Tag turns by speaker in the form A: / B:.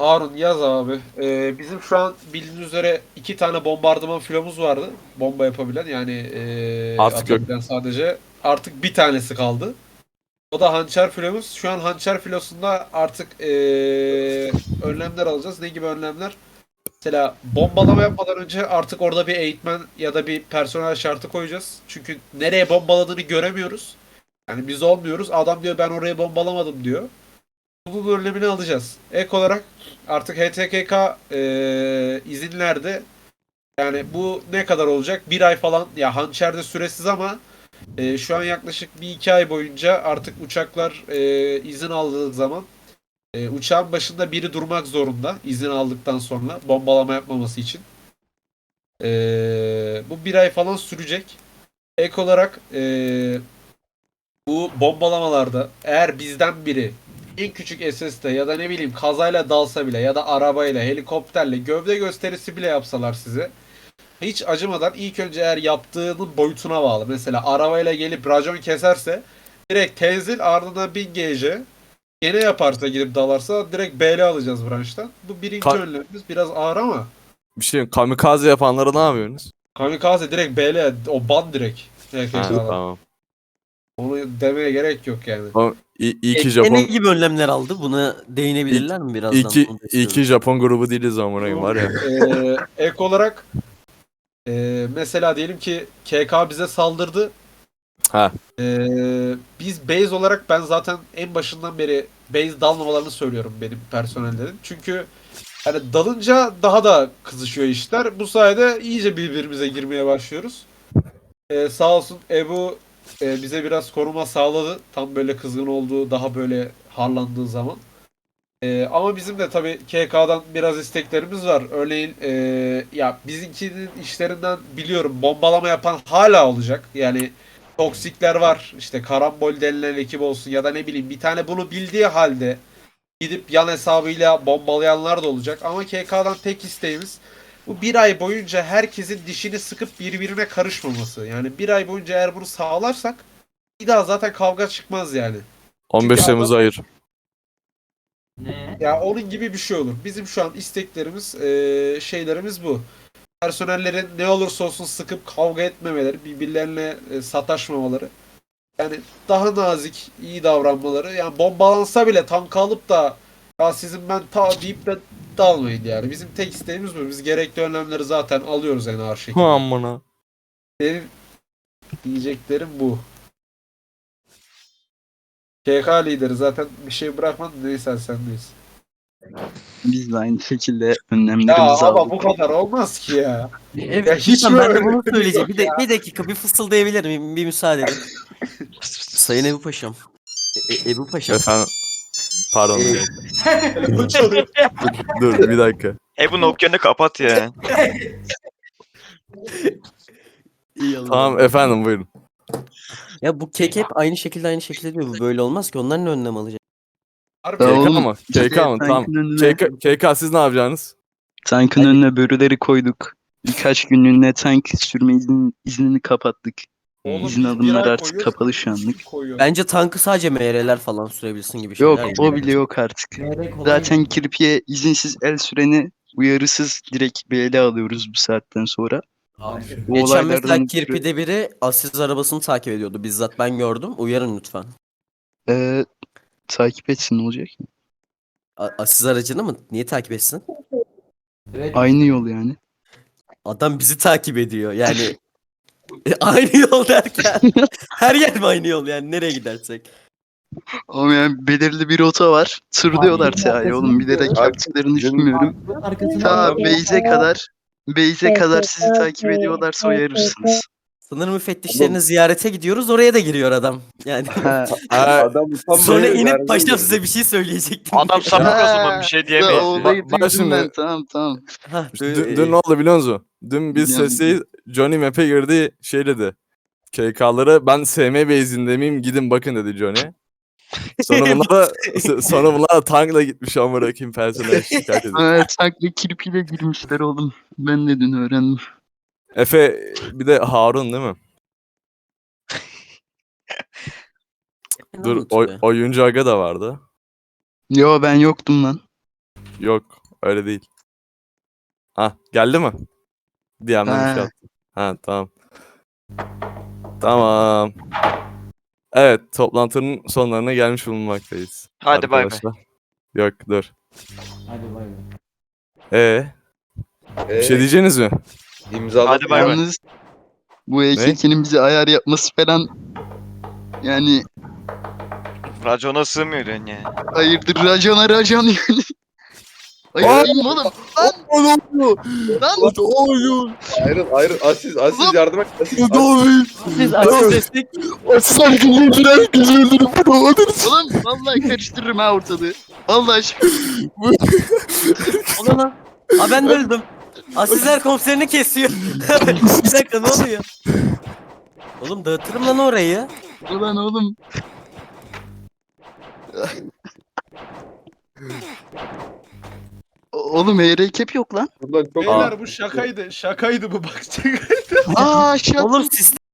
A: Harun yaz abi. Bizim şu an bildiğiniz üzere iki tane bombardıman filomuz vardı. Bomba yapabilen yani
B: Artık yok.
A: atabilen sadece. Artık bir tanesi kaldı. O da hançer filomuz. Şu an hançer filosunda artık önlemler alacağız. Ne gibi önlemler? Mesela bombalama yapmadan önce artık orada bir eğitmen ya da bir personel şartı koyacağız. Çünkü nereye bombaladığını göremiyoruz. Yani biz olmuyoruz. Adam diyor ben oraya bombalamadım diyor. Bunun önlemini alacağız. Ek olarak artık HTKK izinlerde yani bu ne kadar olacak? Bir ay falan ya hançerde süresiz ama şu an yaklaşık bir iki ay boyunca artık uçaklar izin aldığı zaman uçağın başında biri durmak zorunda izin aldıktan sonra bombalama yapmaması için. Bu bir ay falan sürecek. Ek olarak bu bombalamalarda eğer bizden biri en küçük SS'de ya da ne bileyim kazayla dalsa bile ya da arabayla, helikopterle, gövde gösterisi bile yapsalar size hiç acımadan ilk önce eğer yaptığının boyutuna bağlı. Mesela arabayla gelip racon keserse direkt tenzil ardından 1000 GC. Gene yaparsa gidip dalarsa direkt BL alacağız branştan. Bu birinci
B: Ka-
A: önlemimiz. Biraz ağır ama
B: bir şey kamikaze yapanlara ne yapıyorsunuz?
A: kamikaze direkt BL o ban direkt.
B: Ha,
A: HKK'dan.
B: tamam.
A: Onu demeye gerek yok yani.
B: O, iyi ki
C: Ne
B: Japon
C: gibi önlemler aldı? Buna
B: iyi,
C: değinebilirler mi
B: iyi
C: birazdan?
B: ki,
C: Onu da
B: iyi
C: istiyorum.
B: ki Japon grubu değiliz amına koyayım var ya.
A: Ek olarak mesela diyelim ki KK bize saldırdı.
B: Ha.
A: Biz base olarak ben zaten en başından beri base dalmamalarını söylüyorum benim personellerin. Çünkü hani dalınca daha da kızışıyor işler. Bu sayede iyice birbirimize girmeye başlıyoruz. Sağ olsun Ebu bize biraz koruma sağladı. Tam böyle kızgın olduğu, daha böyle harlandığı zaman. Ama bizim de tabii KK'dan biraz isteklerimiz var. Örneğin ya bizimkinin işlerinden biliyorum bombalama yapan hala olacak. Yani toksikler var. İşte karambol denilen ekip olsun ya da ne bileyim bir tane bunu bildiği halde gidip yan hesabıyla bombalayanlar da olacak. Ama KK'dan tek isteğimiz bu bir ay boyunca herkesin dişini sıkıp birbirine karışmaması. Yani bir ay boyunca eğer bunu sağlarsak bir daha zaten kavga çıkmaz yani. Çünkü
B: 15 Temmuz'a hayır.
A: ya onun gibi bir şey olur. Bizim şu an isteklerimiz, şeylerimiz bu. Personellerin ne olursa olsun sıkıp kavga etmemeleri, birbirlerine sataşmamaları. Yani daha nazik, iyi davranmaları. Yani bombalansa bile tank alıp da ya sizin ben ta deyip de dalmayın yani. Bizim tek isteğimiz bu. Biz gerekli önlemleri zaten alıyoruz en ağır
B: Hu
A: şekilde.
B: amına.
A: Benim diyeceklerim bu. KK lideri zaten bir şey bırakmadı. Neyse sendeyiz.
D: Biz de aynı şekilde
A: Ya
D: önlemlerimizi
A: ama bu
D: aldık.
A: kadar olmaz ki ya. Ya
C: Evet,
A: hiç mi
C: lütfen ben de
A: öyle
C: bunu
A: bir
C: söyleyeceğim.
A: yok ya?
C: Bir dakika bir fısıldayabilir miyim? Bir müsaade edin. Sayın Ebu Paşam. Ebu Paşam.
B: Efendim pardon.
C: E,
A: Telefon çalıyor.
B: Dur bir dakika.
E: Bu Nokia'nı kapat ya.
C: iyi Allah'ım.
B: Tamam efendim buyurun.
C: Ya bu kek hep aynı şekilde diyor. Bu böyle olmaz ki. Onlar ne önlem alacak?
A: Harbi
D: Ya
A: ya.
B: KK
D: oğlum,
B: mı?
D: işte
B: KK mı? Tamam.
D: tankın önüne,
B: KK siz ne yapacaksınız?
D: tankın önüne börüleri koyduk. Birkaç günlüğüne tank sürme iznini kapattık.
A: Oğlum
D: İzin
A: biz bir
D: alımları
A: ay
D: artık
A: koyuyoruz.
D: kapalı şu anlık.
A: 3 gün koyuyoruz.
C: Bence tankı sadece MR'ler falan sürebilsin gibi
D: Yok,
C: şeyler.
D: o bile yok artık. Zaten kirpiye izinsiz el süreni uyarısız direkt BL alıyoruz bu saatten sonra. Bu
C: Geçen mesela
D: olaylardan ötürü
C: Kirpi'de biri Aziz arabasını takip ediyordu. Bizzat ben gördüm. Uyarın lütfen.
D: takip etsin, ne olacak?
C: Aziz aracını mı? Niye takip etsin?
D: Aynı yol yani.
C: Adam bizi takip ediyor. Yani aynı yol derken her yer mi aynı yol yani nereye gidersek?
D: Ama yani belirli bir rota var. Tır diyorlar ya oğlum, bilerek yaptıklarını düşünmüyorum. Ta Beyze kadar sizi takip ediyorlarsa uyarırsınız.
C: Sınır müfettişlerini ziyarete gidiyoruz oraya da giriyor adam. Yani
D: Ha,
F: Adam
C: sonra
F: utanmıyor.
C: inip paşam size bir şey söyleyecektim.
E: Adam sapık o zaman bir şey
D: o
E: diyemeyiz.
D: olayı
B: Bak
D: duydum
B: şimdi-
D: ben, tamam.
C: Hah,
B: Dün ne oldu biliyor musun? Dün biz
D: Biliyorum.
B: sesi Johnny map'e girdi şey dedi. KK'ları ben SM base'inde miyim gidin bakın dedi Johnny. Sonra bunlar da tankla gitmiş amına koyayım personel şikayet ediyor.
D: Evet, tankla kirpiyle girmişler oğlum. Ben de dün öğrendim.
B: Efe bir de Harun değil mi? Dur oyuncu aga da vardı.
D: Yo, ben yoktum lan.
B: Yok öyle değil. Ha geldi mi? DM'den bir şey
D: Ha.
B: attı. Ha tamam. Tamam. Evet toplantının sonlarına gelmiş bulunmaktayız.
E: Hadi bay bay.
B: Arkadaşlar. Yok dur.
C: Hadi bay bay.
B: Bir şey diyeceğiniz mi?
F: İmzaladım.
E: Hadi bay bay.
D: Yalnız bu EKK'nin bize ayar yapması falan yani
E: Racona sığmıyor diyorsun ya.
D: hayırdır racan yani. Hayır değil mi oğlum? Lan
F: Ayrıl. Aziz yardım et. Aziz.
C: Siz açın destek.
D: oğlum vallahi karıştırırım ha ortalığı. Vallahi
C: Ona lan. Aa ben de öldüm. Asizler komiserini kesiyor. Bir dakika ne oluyor? Oğlum dağıtırım lan orayı.
D: ulan oğlum. Oğlum ERKP yok lan.
F: Buradan çok
A: Beyler bu şakaydı. Şakaydı bu bak.
D: Aa şaka.
C: Oğlum sistem